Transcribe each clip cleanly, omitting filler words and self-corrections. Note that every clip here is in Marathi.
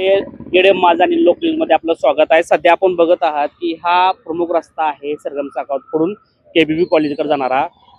आपले एडएम माझा आणि लोक न्यूज मध्ये आपलं स्वागत आहे। सध्या आपण बघत आहात की हा प्रमुख रस्ता आहे सरगम चाकवतकडून केबीबी कॉलेजकडे जाणारा।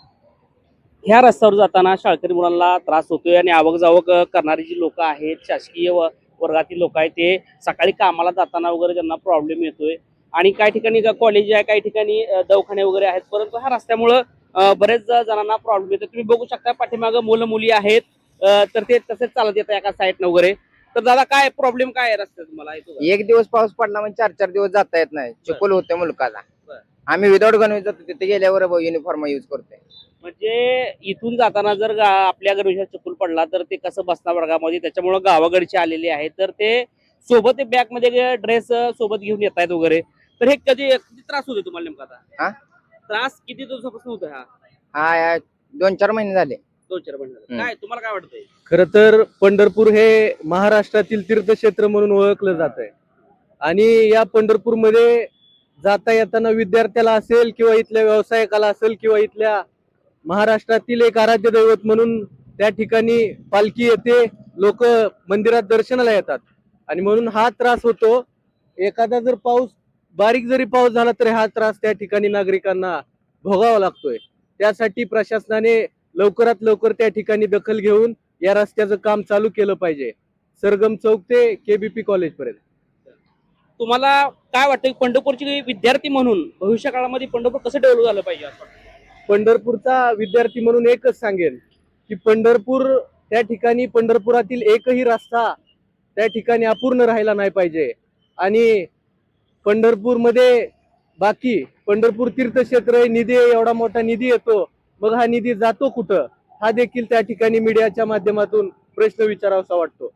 ह्या रस्त्यावर जाताना शाळकरी मुलांना त्रास होतोय आणि आवक जावक करणारी जी लोक आहेत, शासकीय वर्गातील लोक आहेत, ते सकाळी कामाला जाताना वगैरे त्यांना प्रॉब्लेम येतोय। आणि काही ठिकाणी कॉलेज आहे, काही ठिकाणी दवाखाने वगैरे आहेत, परंतु ह्या रस्त्यामुळे बरेच जणांना प्रॉब्लेम येतो। तुम्ही बघू शकता पाठीमागे मुलं मुली आहेत, तर ते तसेच चालत येतात एका साईडनं वगैरे। तर दादा काय प्रॉब्लेम काय आहे रस्त्यात तुम्हाला? एक दिवस पाऊस पडला म्हणजे 4-4 दिवस जाता येत नाही, चिखल होते मुलकाला। बरं. आम्ही विदाउट गणवेश जातो, तिथे गेल्यावर युनिफॉर्म यूज करतोय। म्हणजे इथून जाताना जर आपल्या गणवेशात चिखल पडला तर ते कसं बसणार वर्गामध्ये? त्याच्यामुळे गावाकडचे आलेले आहेत, तर ते सोबत बॅग मध्ये ड्रेस सोबत घेऊन येत आहेत वगैरे। तर हे किती त्रास होतो तुम्हाला नेमका? आता त्रास किती दिवसापासून होतो हा? हा 2-4 महिने झाले। 2-4 महिने काय तुम्हाला काय वाटतंय? खरं तर पंढरपूर हे महाराष्ट्रातील तीर्थक्षेत्र म्हणून ओळखलं जात आहे आणि या पंढरपूरमध्ये जाता येताना विद्यार्थ्याला असेल किंवा इथल्या व्यावसायिकाला असेल किंवा इथल्या महाराष्ट्रातील एक आराध्य दैवत म्हणून त्या ठिकाणी पालखी येते, लोक मंदिरात दर्शनाला येतात आणि म्हणून हा त्रास होतो। एखादा जर बारीक जरी पाऊस झाला तरी हा त्रास त्या ठिकाणी नागरिकांना भोगावा लागतोय। त्यासाठी प्रशासनाने लवकरात लवकर त्या ठिकाणी दखल घेऊन या रस्त्याचं काम चालू केलं पाहिजे, सरगम चौक ते केबीपी कॉलेज पर्यंत। तुम्हाला काय वाटतं पंढरपूरचे विद्यार्थी म्हणून भविष्य काळामध्ये पंढरपूर कसं डेव्हलप झालं पाहिजे असं वाटतं? पंढरपूरचा विद्यार्थी म्हणून एकच सांगेन की त्या ठिकाणी पंढरपुरातील एकही रस्ता त्या ठिकाणी अपूर्ण राहिला नाही पाहिजे। आणि पंढरपूरमध्ये बाकी पंढरपूर तीर्थक्षेत्र निधी, एवढा मोठा निधी येतो, मग हा निधी जातो कुठं, हा देखील त्या ठिकाणी मीडियाच्या माध्यमातून प्रश्न विचारावासा वाटतो।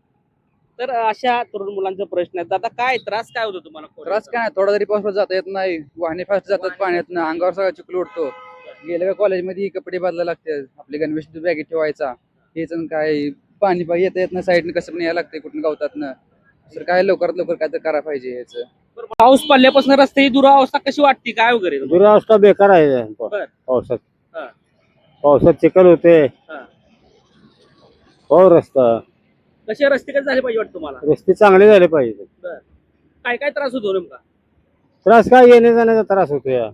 तर अशा तरुण मुलांचा प्रश्न आहे। आता काय त्रास काय होतो तुम्हाला? त्रास काय नाही, थोडा जरी पाऊस जाता येत नाही, वाहने फास्ट जातात पाण्यातनं, अंगावर सगळा चिखल उडतो। गेल्या का कॉलेजमध्ये कपडे बदलायला लागतात, आपले गणवेश बॅगेत ठेवायचा, हेच काय पाणी येता येत नाही, साईडने कसं पण यायला लागतंय कुठून गवतातनं। तर काय लवकरात लवकर काय तर करायला पाहिजे याचं। पाऊस पडल्यापासून रस्त्याची दुरावस्था कशी वाटते काय वगैरे? दुरावस्था बेकार आहे पावसात। हा. पावसात चिखल होते, हा. हो रस्ता कसे रस्ते कसे झाले पाहिजे वाटतं तुम्हाला? रस्ते चांगले झाले पाहिजे। काय काय त्रास होतो नेमका? त्रास काय, येण्या जाण्याचा त्रास होतो या।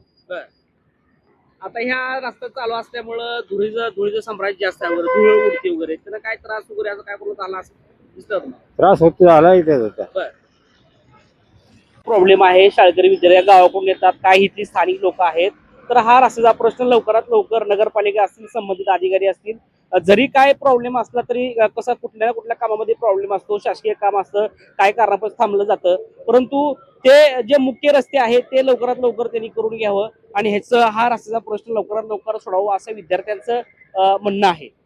आता ह्या रस्ता चालू असल्यामुळं धुळीचं साम्राज्य जास्त आहे वगैरे, धूळ उडते वगैरे, त्यांना काय त्रास वगैरे असं काय बोलत आला असं दिसतं तुम्हाला? त्रास होतो, आला त्याचा प्रॉब्लेम आहे। शाळकरी विद्यार्थी गावाकडून येतात, काही इथली स्थानिक लोक आहेत। तर हा रस्त्याचा प्रश्न लवकरात लवकर नगरपालिका असतील, संबंधित अधिकारी असतील, जरी काय प्रॉब्लेम असला तरी कसं कुठल्या ना कुठल्या कामामध्ये प्रॉब्लेम असतो, शासकीय काम असतं, काय कारणापासून थांबलं जातं, परंतु ते जे मुख्य रस्ते आहेत ते लवकरात लवकर त्यांनी करून घ्यावं आणि हा रस्त्याचा प्रश्न लवकरात लवकर सोडावा असं विद्यार्थ्यांचं म्हणणं आहे।